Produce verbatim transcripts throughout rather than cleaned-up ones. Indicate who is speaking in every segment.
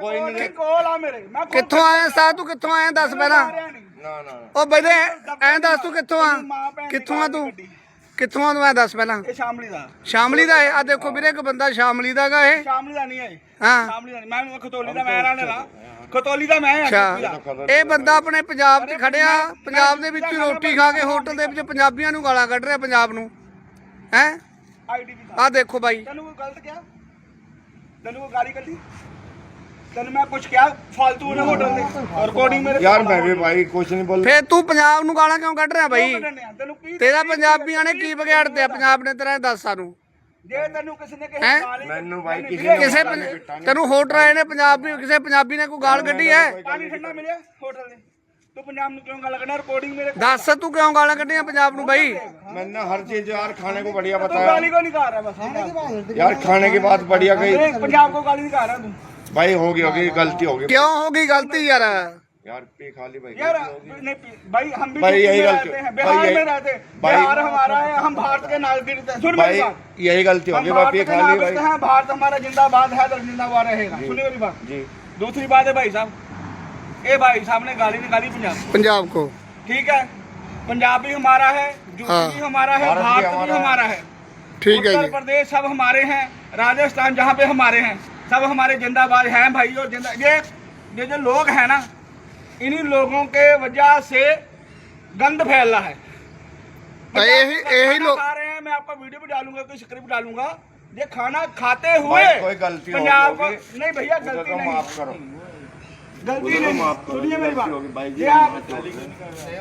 Speaker 1: ਕੋਈ ਨਹੀਂ
Speaker 2: ਕੋਲ ਆ ਮੇਰੇ ਮੈਂ
Speaker 3: ਕਿੱਥੋਂ ਆਇਆ ਸਾ ਤੂੰ ਕਿੱਥੋਂ ਆਇਆ ਦੱਸ ਪਹਿਲਾਂ।
Speaker 1: ਨਾ ਨਾ
Speaker 3: ਉਹ ਬਈ ਐਂ ਦੱਸ ਤੂੰ ਕਿੱਥੋਂ ਆ ਕਿੱਥੋਂ ਆ ਤੂੰ ਕਿੱਥੋਂ ਆ ਤੂੰ ਐਂ ਦੱਸ ਪਹਿਲਾਂ।
Speaker 2: ਇਹ ਸ਼ਾਮਲੀ ਦਾ
Speaker 3: ਸ਼ਾਮਲੀ ਦਾ ਹੈ ਆ ਦੇਖੋ ਵੀਰੇ ਇੱਕ ਬੰਦਾ ਸ਼ਾਮਲੀ ਦਾ ਗਾ ਇਹ।
Speaker 2: ਸ਼ਾਮਲੀ ਦਾ ਨਹੀਂ ਹੈ
Speaker 3: ਹਾਂ
Speaker 2: ਸ਼ਾਮਲੀ ਦਾ ਨਹੀਂ ਮੈਂ ਖਤੋਲੀ ਦਾ ਮੈਂ ਰਹਿਣ ਵਾਲਾ ਖਤੋਲੀ ਦਾ ਮੈਂ
Speaker 3: ਅੱਛਾ ਇਹ ਬੰਦਾ ਆਪਣੇ ਪੰਜਾਬ 'ਚ ਖੜਿਆ ਪੰਜਾਬ ਦੇ ਵਿੱਚ ਰੋਟੀ ਖਾ ਕੇ ਹੋਟਲ ਦੇ ਵਿੱਚ ਪੰਜਾਬੀਆਂ ਨੂੰ ਗਾਲਾਂ ਕੱਢ ਰਿਹਾ ਪੰਜਾਬ ਨੂੰ ਹੈ।
Speaker 2: ਆਈਡੀ
Speaker 3: ਆ ਦੇਖੋ ਬਾਈ
Speaker 2: ਤੈਨੂੰ ਕੋਈ ਗਲਤ ਕਿਹਾ ਤੈਨੂੰ ਕੋਈ ਗਾਲੀ ਕੱਢੀ ਤੈਨੂੰ ਮੈਂ ਕੁਝ ਕਿਹਾ ਫालतू ਨੇ ਹੋਟਲ ਦੇ ਰਿਕਾਰਡਿੰਗ ਮੇਰੇ
Speaker 1: ਯਾਰ ਮੈਂ ਵੀ ਭਾਈ ਕੁਛ ਨਹੀਂ ਬੋਲ।
Speaker 3: ਫੇਰ ਤੂੰ ਪੰਜਾਬ ਨੂੰ ਗਾਲਾਂ ਕਿਉਂ ਕੱਢ ਰਿਹਾ ਬਾਈ।
Speaker 2: ਤੈਨੂੰ ਕੀ
Speaker 3: ਤੇਰਾ ਪੰਜਾਬੀਆਂ ਨੇ ਕੀ ਵਿਗਾੜਦੇ ਆ ਪੰਜਾਬ ਨੇ ਤੇਰਾ ਦੱਸ ਸਾਨੂੰ।
Speaker 2: ਜੇ ਤੈਨੂੰ ਕਿਸੇ ਨੇ
Speaker 3: ਹੈਂ?
Speaker 2: ਗਾਲੀ
Speaker 1: ਮੈਨੂੰ ਭਾਈ ਕਿਸੇ
Speaker 3: ਕਿਸੇ ਪੰਜ- ਤੈਨੂੰ ਹੋਟਲ ਆਏ ਨੇ ਪੰਜਾਬੀ ਕਿਸੇ ਪੰਜਾਬੀ ਨੇ ਕੋਈ ਗਾਲ ਕੱਢੀ ਹੈ
Speaker 2: ਪਾਣੀ ਠੰਡਾ ਮਿਲਿਆ ਹੋਟਲ ਦੇ ਤੂੰ ਪੰਜਾਬ ਨੂੰ ਕਿਉਂ ਗਾਲ ਕੱਢਣਾ ਰਿਕਾਰਡਿੰਗ ਮੇਰੇ
Speaker 3: ਦੱਸ ਤੂੰ ਕਿਉਂ ਗਾਲਾਂ ਕੱਢੀਆਂ ਪੰਜਾਬ ਨੂੰ ਬਾਈ।
Speaker 1: मैंने हर चीज यार खाने को बढ़िया
Speaker 2: तू
Speaker 1: बताया
Speaker 2: गाली को नहीं खा रहा बस
Speaker 1: यार खाने की बात बढ़िया गई
Speaker 2: अरे पंजाब को गाली नहीं खा रहा तू
Speaker 1: भाई होगी होगी गलती होगी
Speaker 3: ਕਿਉਂ ਹੋ गई गलती यार।
Speaker 1: यार पी खाली भाई
Speaker 2: यार
Speaker 1: गलती होगी।
Speaker 2: नहीं पी- भाई हम भी
Speaker 1: भाई
Speaker 2: यूपी
Speaker 1: यही
Speaker 2: में
Speaker 1: गलती-
Speaker 2: रहते हैं
Speaker 1: भाई
Speaker 2: बिहार
Speaker 1: यही-
Speaker 2: में रहते हैं
Speaker 1: भाई-
Speaker 2: बिहार हमारा है हम भारत के नागरिक हैं सुन मेरी
Speaker 1: भाई
Speaker 2: बात
Speaker 1: यही गलती
Speaker 2: हम
Speaker 1: होगी भाई
Speaker 2: भारत
Speaker 1: पी
Speaker 2: के
Speaker 1: खाली
Speaker 2: नागरिक
Speaker 1: भाई
Speaker 2: हैं भारत हमारा जिंदाबाद है तो जिंदाबाद रहेगा सुनिए मेरी बात
Speaker 1: जी
Speaker 2: दूसरी बात है भाई साहब ये भाई साहब ने गाली निकाली पंजाब
Speaker 3: पंजाब को
Speaker 2: ठीक है पंजाब भी हमारा है यूपी
Speaker 3: हाँ।
Speaker 2: भी हमारा है
Speaker 1: भारत भी
Speaker 2: भारत भी
Speaker 1: हमारा
Speaker 2: हमारा है
Speaker 3: ठीक है
Speaker 2: उत्तर
Speaker 3: जी।
Speaker 2: प्रदेश सब हमारे हैं राजस्थान जहाँ पे हमारे हैं सब हमारे जिंदाबाद हैं भाई और जिंदा ये ये जो लोग हैं ना इन्हीं लोगों के वजह से गंद फैल रहा है
Speaker 3: तो यही यही
Speaker 2: खाना
Speaker 3: लोग
Speaker 2: खा रहे हैं मैं आपका वीडियो भी डालूंगा कोई स्क्रिप्ट डालूंगा ये खाना खाते हुए
Speaker 1: भाई कोई गलती
Speaker 2: पंजाब को
Speaker 1: होगी
Speaker 2: नहीं भैया
Speaker 1: उसे
Speaker 2: गलती
Speaker 1: तो
Speaker 2: नहीं
Speaker 1: माफ करो
Speaker 2: गलती
Speaker 1: उसे तो
Speaker 2: नहीं
Speaker 1: माफ करो
Speaker 2: सुनिए मेरी
Speaker 1: गलती होगी
Speaker 2: बात
Speaker 1: भाई
Speaker 2: ये
Speaker 1: जी
Speaker 2: आप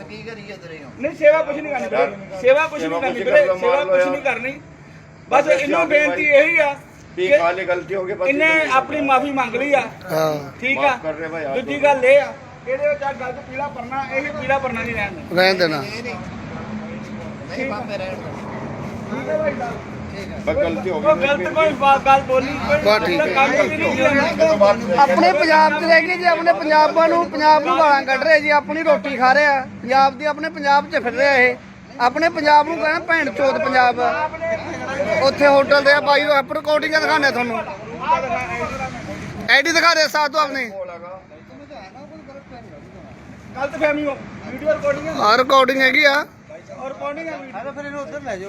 Speaker 2: नहीं सेवा कुछ नहीं करनी वीरे। सेवा कुछ नहीं करनी वीरे। सेवा कुछ नहीं करनी बस इन्हों बेनती यही है
Speaker 1: पी
Speaker 2: कि
Speaker 1: खाली गलती होगी बस
Speaker 2: इन्हें अपनी माफी मंग ली आ
Speaker 3: हाँ
Speaker 2: ठीक
Speaker 1: माफ कर रहे भाई
Speaker 2: है
Speaker 1: आप
Speaker 2: दूजी गल ये आ ਇਹਦੇ ਵਿੱਚ ਆ ਗਲਤ ਪੀਲਾ ਪਰਨਾ ਇਹ ਪੀਲਾ ਪਰਨਾ ਨਹੀਂ ਰਹਿਣ ਦੇਣਾ
Speaker 3: रहने देना
Speaker 2: ਠੀਕ ਹੈ ਭਾਈ ਸਾਹਿਬ
Speaker 1: बस गलती
Speaker 2: ਕੋਈ
Speaker 1: होगी
Speaker 2: ਗਲਤ ਕੋਈ ਬਾਤ ਗੱਲ ਬੋਲੀ ਕੋਈ
Speaker 3: ਬਸ ਠੀਕ ਹੈ।
Speaker 2: ਕੰਮ ਹੀ ਨਹੀਂ ਕੀਤਾ
Speaker 3: ਆਪਣੇ ਪੰਜਾਬ 'ਚ ਰਹਿ ਕੇ ਜੀ ਆਪਣੇ ਪੰਜਾਬਾਂ ਨੂੰ ਪੰਜਾਬ ਨੂੰ ਗਾਲਾਂ ਕੱਢ ਰਹੇ ਜੀ ਆਪਣੀ ਰੋਟੀ ਖਾ ਰਹੇ ਆ ਪੰਜਾਬ ਦੀ ਆਪਣੇ ਪੰਜਾਬ 'ਚ ਫਿਰ ਰਿਹਾ ਇਹ ਆਪਣੇ ਪੰਜਾਬ ਨੂੰ ਕਹਿਣਾ ਭੈਣ ਚੋਦ ਪੰਜਾਬ ਉੱਥੇ ਹੋਟਲ ਦੇ ਆ ਬਾਈ ਉਹ ਰਿਕਾਰਡਿੰਗਾਂ ਦਿਖਾਣੇ ਤੁਹਾਨੂੰ ਆਈਡੀ ਦਿਖਾ ਦੇ ਸਾਥ ਤੋਂ ਆਪਣੀ
Speaker 2: ਗਲਤ ਫਹਿਮੀ ਹੋ ਵੀਡੀਓ ਰਿਕਾਰਡਿੰਗ ਹੈ
Speaker 3: ਆ ਰਿਕਾਰਡਿੰਗ ਹੈਗੀ ਆ
Speaker 2: ਔਰ ਰਿਕਾਰਡਿੰਗ ਹੈ ਵੀਡੀਓ ਫਿਰ ਇਹਨੂੰ ਉੱਧਰ ਲੈ ਜਾਓ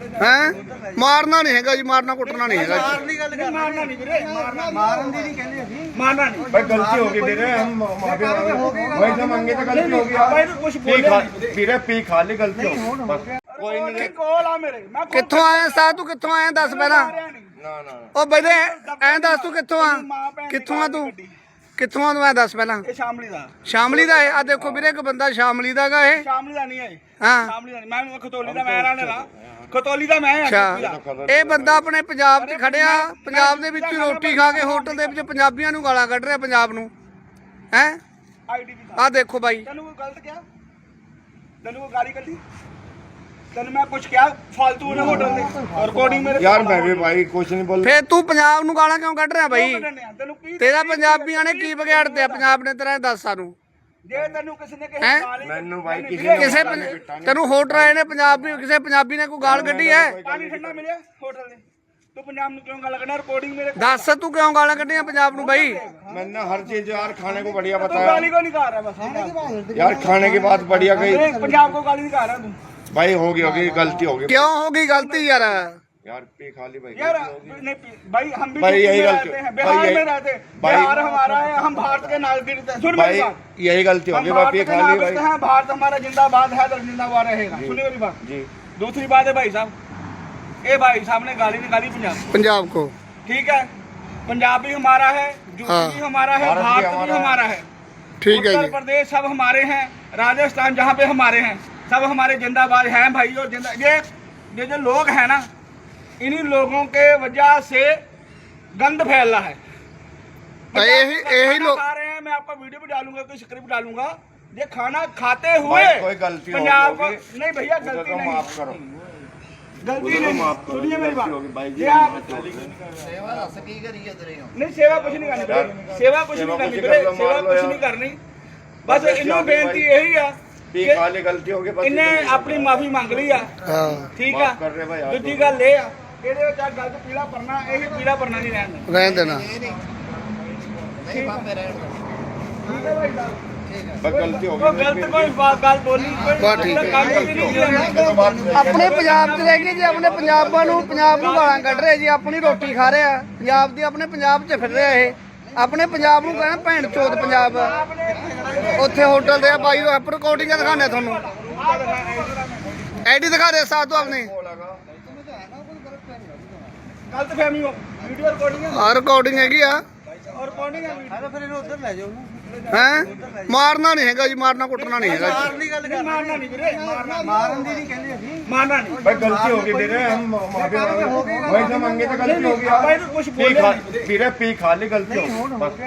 Speaker 3: ਹੈ ਮਾਰਨਾ ਨਹੀਂ ਹੈਗਾ ਜੀ ਮਾਰਨਾ ਕੁੱਟਣਾ ਨਹੀਂ ਹੈਗਾ ਜੀ।
Speaker 2: ਦੀ ਗੱਲ ਕਰ ਮਾਰਨਾ ਨਹੀਂ ਵੀਰੇ ਮਾਰਨਾ ਮਾਰਨ ਦੀ ਨਹੀਂ ਕਹਿੰਦੇ ਅਸੀਂ ਮਾਰਨਾ ਨਹੀਂ
Speaker 1: भाई गलती होगी मेरे हम माफी मांगे वही तो मांगे तो गलती होगी
Speaker 2: ਆਪਾਂ ਇਹਨੂੰ ਕੁਝ
Speaker 1: पी
Speaker 2: ਬੋਲਿਆ
Speaker 1: खा मेरे पी खाली गलती होगी बस कोई नहीं
Speaker 2: ਕੋਲ ਆ ਮੇਰੇ ਮੈਂ
Speaker 3: ਕਿੱਥੋਂ ਆਇਆ ਸਾਥ ਤੂੰ ਕਿੱਥੋਂ ਆਇਆ ਦੱਸ ਪਹਿਲਾਂ।
Speaker 1: ना ना
Speaker 3: ਉਹ ਬਈ ਐਂ ਦੱਸ ਤੂੰ ਕਿੱਥੋਂ ਆ ਕਿੱਥੋਂ ਆ ਤੂੰ ਕਿੱਥੋਂ ਆ ਤੂੰ ਐਂ ਦੱਸ ਪਹਿਲਾਂ।
Speaker 2: ਇਹ ਸ਼ਾਮਲੀ ਦਾ
Speaker 3: ਸ਼ਾਮਲੀ ਦਾ ਹੈ ਆ ਦੇਖੋ ਵੀਰੇ ਇੱਕ ਬੰਦਾ ਸ਼ਾਮਲੀ ਦਾ ਗਾ ਇਹ।
Speaker 2: ਸ਼ਾਮਲੀ ਦਾ ਨਹੀਂ ਹੈ
Speaker 3: ਹਾਂ
Speaker 2: ਸ਼ਾਮਲੀ ਦਾ ਨਹੀਂ ਮੈਂ ਖਤੋਲੀ ਦਾ ਮੈਂ ਰਹਿਣ ਵਾਲਾ ਖਤੋਲੀ ਦਾ ਮੈਂ
Speaker 3: ਅੱਛਾ ਇਹ ਬੰਦਾ ਆਪਣੇ ਪੰਜਾਬ 'ਚ ਖੜਿਆ ਪੰਜਾਬ ਦੇ ਵਿੱਚ ਰੋਟੀ ਖਾ ਕੇ ਹੋਟਲ ਦੇ ਵਿੱਚ ਪੰਜਾਬੀਆਂ ਨੂੰ ਗਾਲਾਂ ਕੱਢ ਰਿਹਾ ਪੰਜਾਬ ਨੂੰ ਹੈ।
Speaker 2: ਆਈਡੀ ਦੀ
Speaker 3: ਆ ਦੇਖੋ ਬਾਈ
Speaker 2: ਤੈਨੂੰ ਕੋਈ ਗਲਤ ਕਿਹਾ ਤੈਨੂੰ ਕੋਈ ਗਾਲੀ ਕੱਢੀ ਤੈਨੂੰ ਮੈਂ ਕੁਝ ਕਿਹਾ ਫालतू ਨੇ ਹੋਟਲ ਦੇ ਰਿਕਾਰਡਿੰਗ ਮੇਰੇ
Speaker 1: यार मैं भी भाई कुछ नहीं बोल।
Speaker 3: ਫੇਰ ਤੂੰ ਪੰਜਾਬ ਨੂੰ ਗਾਲਾਂ ਕਿਉਂ ਕੱਢ ਰਿਹਾ ਬਾਈ।
Speaker 2: ਤੈਨੂੰ ਕੀ
Speaker 3: ਤੇਰਾ ਪੰਜਾਬੀਆਂ ਨੇ ਕੀ ਵਿਗਾੜਦੇ ਆ ਪੰਜਾਬ ਨੇ ਤੇਰਾ ਦੱਸ ਸਾਨੂੰ।
Speaker 2: ਜੇ ਤੈਨੂੰ ਕਿਸੇ ਨੇ
Speaker 3: ਹੈਂ?
Speaker 2: ਗਾਲੀ
Speaker 1: मैनू भाई किसी ने
Speaker 3: ਕਿਸੇ ਪੰ- ਤੈਨੂੰ ਹੋਟਲ ਆਏ ਨੇ ਪੰਜਾਬੀ ਕਿਸੇ ਪੰਜਾਬੀ ਨੇ ਕੋਈ ਗਾਲ ਕੱਢੀ ਹੈ
Speaker 2: ਪਾਣੀ ਠੰਡਾ ਮਿਲਿਆ ਹੋਟਲ ਦੇ ਤੂੰ ਪੰਜਾਬ ਨੂੰ ਕਿਉਂ ਗੱਲ ਕਰਨਾ ਰਿਕਾਰਡਿੰਗ ਮੇਰੇ
Speaker 3: ਦੱਸ ਤੂੰ ਕਿਉਂ ਗਾਲਾਂ ਕੱਢੀਆਂ ਪੰਜਾਬ ਨੂੰ ਬਾਈ।
Speaker 1: मैंने हर चीज यार खाने को बढ़िया
Speaker 2: ਤੂੰ
Speaker 1: बताया
Speaker 2: ਗਾਲੀ को नहीं खा रहा बस
Speaker 1: यार खाने की बात बढ़िया गई
Speaker 2: अरे पंजाब को गाली नहीं खा रहा तू
Speaker 1: भाई होगी होगी गलती होगी
Speaker 3: ਕਿਉਂ ਹੋ गई गलती यार।
Speaker 1: यार पी खाली भाई
Speaker 2: यार
Speaker 1: गलती होगी।
Speaker 2: नहीं पी- भाई हम भी
Speaker 1: भाई
Speaker 2: यूपी
Speaker 1: यही
Speaker 2: में
Speaker 1: गलती-
Speaker 2: रहते हैं
Speaker 1: भाई
Speaker 2: बिहार
Speaker 1: यही-
Speaker 2: में रहते हैं
Speaker 1: भाई-
Speaker 2: बिहार हमारा है हम भारत के नागरिक हैं सुन
Speaker 1: भाई
Speaker 2: मेरी बात
Speaker 1: यही गलती
Speaker 2: हम
Speaker 1: होगी भाई
Speaker 2: भारत
Speaker 1: पी
Speaker 2: के
Speaker 1: खाली
Speaker 2: नागरिक
Speaker 1: भाई
Speaker 2: हैं भारत हमारा जिंदाबाद है तो जिंदाबाद रहेगा सुनिए मेरी बात
Speaker 1: जी
Speaker 2: दूसरी बात है भाई साहब ये भाई साहब ने गाली निकाली पंजाब
Speaker 3: पंजाब को
Speaker 2: ठीक है पंजाब भी हमारा है यूपी
Speaker 3: हाँ।
Speaker 2: भी हमारा है
Speaker 1: भारत भी
Speaker 2: भारत भी
Speaker 1: हमारा
Speaker 2: हमारा है
Speaker 3: ठीक है
Speaker 2: उत्तर
Speaker 3: जी।
Speaker 2: प्रदेश सब हमारे हैं राजस्थान जहाँ पे हमारे हैं सब हमारे जिंदाबाद हैं भाई और जिंदा ये ये जो लोग हैं ना इन्हीं लोगों के वजह से गंद फैल रहा है
Speaker 3: तो यही यही
Speaker 2: खाना
Speaker 3: लोग
Speaker 2: खा रहे हैं मैं आपका वीडियो भी डालूंगा कोई स्क्रिप्ट डालूंगा ये खाना खाते हुए
Speaker 1: भाई कोई गलती
Speaker 2: पंजाब को
Speaker 1: होगी
Speaker 2: नहीं भैया
Speaker 1: उसे
Speaker 2: गलती
Speaker 1: तो
Speaker 2: नहीं
Speaker 1: माफ करो
Speaker 2: गलती
Speaker 1: उसे तो
Speaker 2: नहीं
Speaker 1: माफ करो
Speaker 2: सुनिए मेरी
Speaker 1: गलती होगी भाई
Speaker 2: बात
Speaker 1: जी
Speaker 2: ये आप
Speaker 1: गलती होगी।
Speaker 2: नहीं सेवा कुछ नहीं करनी वीरे। सेवा कुछ नहीं करनी वीरे। सेवा कुछ नहीं करनी बस इन्हों बेनती यही है
Speaker 1: पी
Speaker 2: कि
Speaker 1: खाली गलती होगी बस
Speaker 2: इन्हें अपनी माफी मंग ली आ
Speaker 3: हाँ
Speaker 2: ठीक
Speaker 1: माफ कर रहे भाई
Speaker 2: है
Speaker 1: आप
Speaker 2: दूजी गल ये आ ਇਹਦੇ ਵਿੱਚ ਆ ਗਲਤ ਪੀਲਾ ਪਰਨਾ ਇਹ ਪੀਲਾ ਪਰਨਾ ਨਹੀਂ ਰਹਿਣ ਦੇਣਾ
Speaker 3: रहने देना
Speaker 1: बस गलती हो
Speaker 2: ਉਹ
Speaker 1: गई
Speaker 2: ਗਲਤ ਕੋਈ ਬਾਤ ਗੱਲ ਬੋਲੀ
Speaker 3: ਬਸ ਠੀਕ
Speaker 2: ਕੋਈ
Speaker 3: ਹੈ।
Speaker 2: ਕੰਮ ਹੀ ਨਹੀਂ ਕੀਤਾ
Speaker 3: ਆਪਣੇ ਪੰਜਾਬ 'ਚ ਰਹਿ ਕੇ ਜੀ ਆਪਣੇ ਪੰਜਾਬਾਂ ਨੂੰ ਪੰਜਾਬ ਨੂੰ ਗਾਲਾਂ ਕੱਢ ਰਹੇ ਜੀ ਆਪਣੀ ਰੋਟੀ ਖਾ ਰਹੇ ਆ ਪੰਜਾਬ ਦੀ ਆਪਣੇ ਪੰਜਾਬ 'ਚ ਫਿਰ ਰਿਹਾ ਇਹ ਆਪਣੇ ਪੰਜਾਬ ਨੂੰ ਕਹਿਣਾ ਭੈਣ ਚੋਦ ਪੰਜਾਬ ਉੱਥੇ ਹੋਟਲ ਦੇ ਆ ਬਾਈ ਉਹ ਰਿਕਾਰਡਿੰਗਾਂ ਦਿਖਾਣੇ ਤੁਹਾਨੂੰ ਐਡੀ ਦਿਖਾ ਦੇ ਸਾਥ ਤੋਂ ਆਪਣੇ
Speaker 2: ਗਲਤ ਫਹਿਮੀ ਹੋ ਵੀਡੀਓ ਰਿਕਾਰਡਿੰਗ ਹੈ
Speaker 3: ਆ ਰਿਕਾਰਡਿੰਗ ਹੈਗੀ ਆ
Speaker 2: ਔਰ ਰਿਕਾਰਡਿੰਗ ਹੈ ਵੀਡੀਓ ਫਿਰ ਇਹਨੂੰ ਉੱਧਰ ਲੈ ਜਾਓ
Speaker 3: ਹੈ ਮਾਰਨਾ ਨਹੀਂ ਹੈਗਾ ਜੀ ਮਾਰਨਾ ਕੁੱਟਣਾ ਨਹੀਂ ਹੈਗਾ ਜੀ।
Speaker 2: ਦੀ ਗੱਲ ਕਰ ਮਾਰਨਾ ਨਹੀਂ ਵੀਰੇ ਮਾਰਨਾ ਮਾਰਨ ਦੀ ਨਹੀਂ ਕਹਿੰਦੇ ਅਸੀਂ ਮਾਰਨਾ ਨਹੀਂ
Speaker 1: भाई गलती हो गई मेरे हम माफी मांगे वही से मांगे तो गलती हो गई
Speaker 2: भाई तो कुछ
Speaker 1: पी
Speaker 2: बोले
Speaker 1: खा फिर पी खा ली गलती हो बस